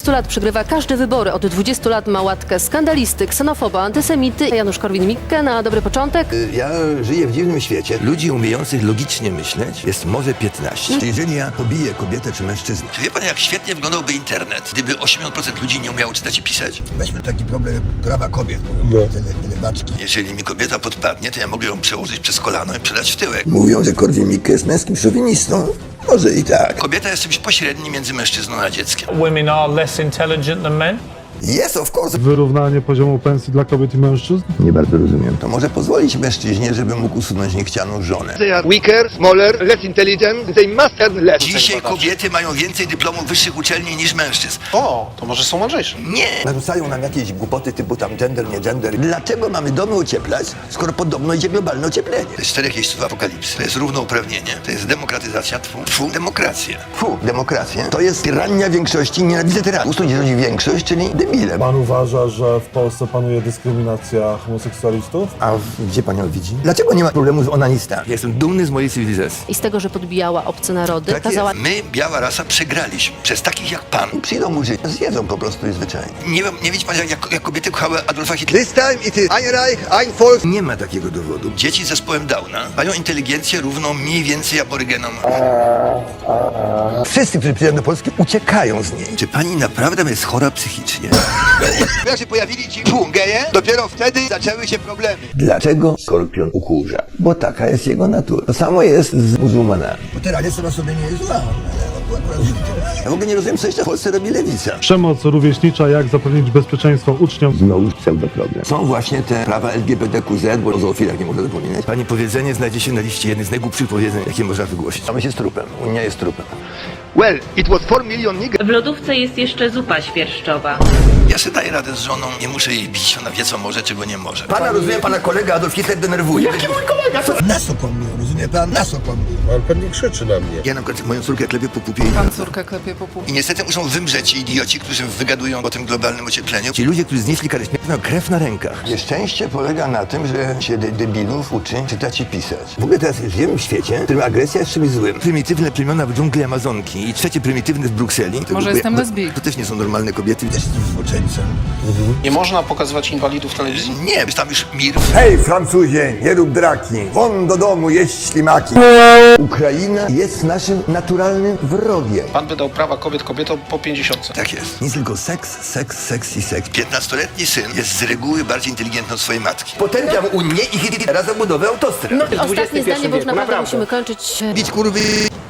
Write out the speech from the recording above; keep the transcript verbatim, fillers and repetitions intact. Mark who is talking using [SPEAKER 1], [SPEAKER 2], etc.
[SPEAKER 1] dwudziestu lat przegrywa każde wybory. Od dwudziestu lat ma łatkę skandalisty, ksenofoba, antysemity. Janusz Korwin-Mikke na dobry początek.
[SPEAKER 2] Ja żyję w dziwnym świecie. Ludzi umiejących logicznie myśleć jest może piętnaście. Jeżeli ja pobiję kobietę czy mężczyznę.
[SPEAKER 3] Czy wie pan, jak świetnie wyglądałby internet, gdyby osiemdziesiąt procent ludzi nie umiało czytać i pisać?
[SPEAKER 2] Weźmy taki problem prawa kobiet.
[SPEAKER 4] No.
[SPEAKER 2] Tyle, tyle baczki.
[SPEAKER 3] Jeżeli mi kobieta podpadnie, to ja mogę ją przełożyć przez kolano i przedać w tyłek.
[SPEAKER 2] Mówią, że Korwin-Mikke jest męskim szowinistą. Może i tak.
[SPEAKER 3] Kobieta jest czymś pośrednim między mężczyzną a dzieckiem.
[SPEAKER 5] Women are less intelligent than men?
[SPEAKER 2] Yes, of course.
[SPEAKER 4] Wyrównanie poziomu pensji dla kobiet i mężczyzn?
[SPEAKER 2] Nie bardzo rozumiem. To może pozwolić mężczyźnie, żeby mógł usunąć niechcianą żonę.
[SPEAKER 6] They are weaker, smaller, less intelligent. They must earn less.
[SPEAKER 3] Dzisiaj kobiety mają więcej dyplomów wyższych uczelni niż mężczyzn.
[SPEAKER 7] O, to może są mądrzejsze.
[SPEAKER 3] Nie!
[SPEAKER 2] Narzucają nam jakieś głupoty typu tam gender, nie gender. Dlaczego mamy domy ocieplać, skoro podobno idzie globalne ocieplenie?
[SPEAKER 3] To jest czterech jeźdźców apokalipsy. To jest równouprawnienie. To jest demokratyzacja. Tfu, tfu, demokracja.
[SPEAKER 2] Fu, demokracja. To jest tyrania większości, nienawidzę tyranów. Ustój rządzi większość, czyli debile.
[SPEAKER 4] Pan uważa, że w Polsce panuje dyskryminacja homoseksualistów?
[SPEAKER 2] A w- gdzie pan ją widzi? Dlaczego nie ma problemu z onanistami? Jestem dumny z mojej cywilizacji.
[SPEAKER 1] I z tego, że podbijała obce narody,
[SPEAKER 2] Tak
[SPEAKER 1] kazała...
[SPEAKER 3] My, biała rasa, przegraliśmy. Przez takich jak pan.
[SPEAKER 2] Przyjdą murzyni, zjedzą po prostu i zwyczajnie.
[SPEAKER 3] Nie wiem, nie widzi pan, jak, jak, jak kobiety kochały Adolfa Hitlera.
[SPEAKER 6] This time it is ein Reich, ein Volk.
[SPEAKER 2] Nie ma takiego dowodu.
[SPEAKER 3] Dzieci z zespołem Downa mają inteligencję równą mniej więcej aborygenom.
[SPEAKER 2] Wszyscy, którzy przyjadą do Polski, uciekają z niej.
[SPEAKER 3] Czy pani naprawdę jest chora psychicznie?
[SPEAKER 6] Jak się pojawili ci fu, geje, dopiero wtedy zaczęły się problemy.
[SPEAKER 2] Dlaczego skorpion ukurza? Bo taka jest jego natura. To samo jest z muzułmanami. Bo tyrania sama sobie nie jest zła. Ja w ogóle nie rozumiem, co jeszcze w Polsce robi lewica.
[SPEAKER 4] Przemoc rówieśnicza, jak zapewnić bezpieczeństwo uczniom?
[SPEAKER 2] Znowu pseudoproblem. Są właśnie te prawa L G B T Q Z, bo o zoofilach nie można zapominać. Pani powiedzenie znajdzie się na liście jednych z najgłupszych powiedzeń, jakie można wygłosić. A my się z trupem. Unia jest trupem.
[SPEAKER 6] Well, it was four million niggers.
[SPEAKER 8] W lodówce jest jeszcze zupa świerszczowa.
[SPEAKER 3] Ja sobie daję radę z żoną, nie muszę jej bić, ona wie co może, czego nie może.
[SPEAKER 2] Pana, rozumiem, pana kolega Adolf Hitler denerwuje. Jaki mój kolega? Co? Nas okłamuje, rozumie pan? Nas okłamuje.
[SPEAKER 7] Pan pewnie krzyczy na mnie.
[SPEAKER 3] Ja na przykład moją córkę klepię po pupie i...
[SPEAKER 9] Pan córkę klepie po pupie.
[SPEAKER 3] I niestety muszą wymrzeć ci idioci, którzy wygadują o tym globalnym ociepleniu.
[SPEAKER 2] Ci ludzie, którzy znieśli karę śmierci, mają krew na rękach. Nieszczęście polega na tym, że się de debilów uczy czytać i pisać. W ogóle teraz żyjemy w świecie, w którym agresja jest czymś złym. Prymitywne plemiona w dżungli Amazonki i trzecie prymitywne w Brukseli. To,
[SPEAKER 9] Może jestem lesbijką.
[SPEAKER 2] To też nie są normalne kobiety. Też jestem zboczeńcem.
[SPEAKER 7] Nie można pokazywać inwalidów w telewizji?
[SPEAKER 3] Nie, jest tam już mir.
[SPEAKER 2] Hej, Francuzie, nie rób draki. Won do domu jeść ślimaki. Ukraina jest naszym naturalnym wrogiem.
[SPEAKER 7] Pan wydał prawa kobiet kobietom po pięćdziesiątce.
[SPEAKER 3] Tak jest.
[SPEAKER 2] Nie tylko seks, seks, seks i seks.
[SPEAKER 3] piętnastoletni syn jest z reguły bardziej inteligentny od swojej matki.
[SPEAKER 2] Potępiam Unię i Hitlera za budowę autostrad.
[SPEAKER 1] Ostatnie zdanie, bo już naprawdę musimy kończyć.
[SPEAKER 2] Bić kurwy.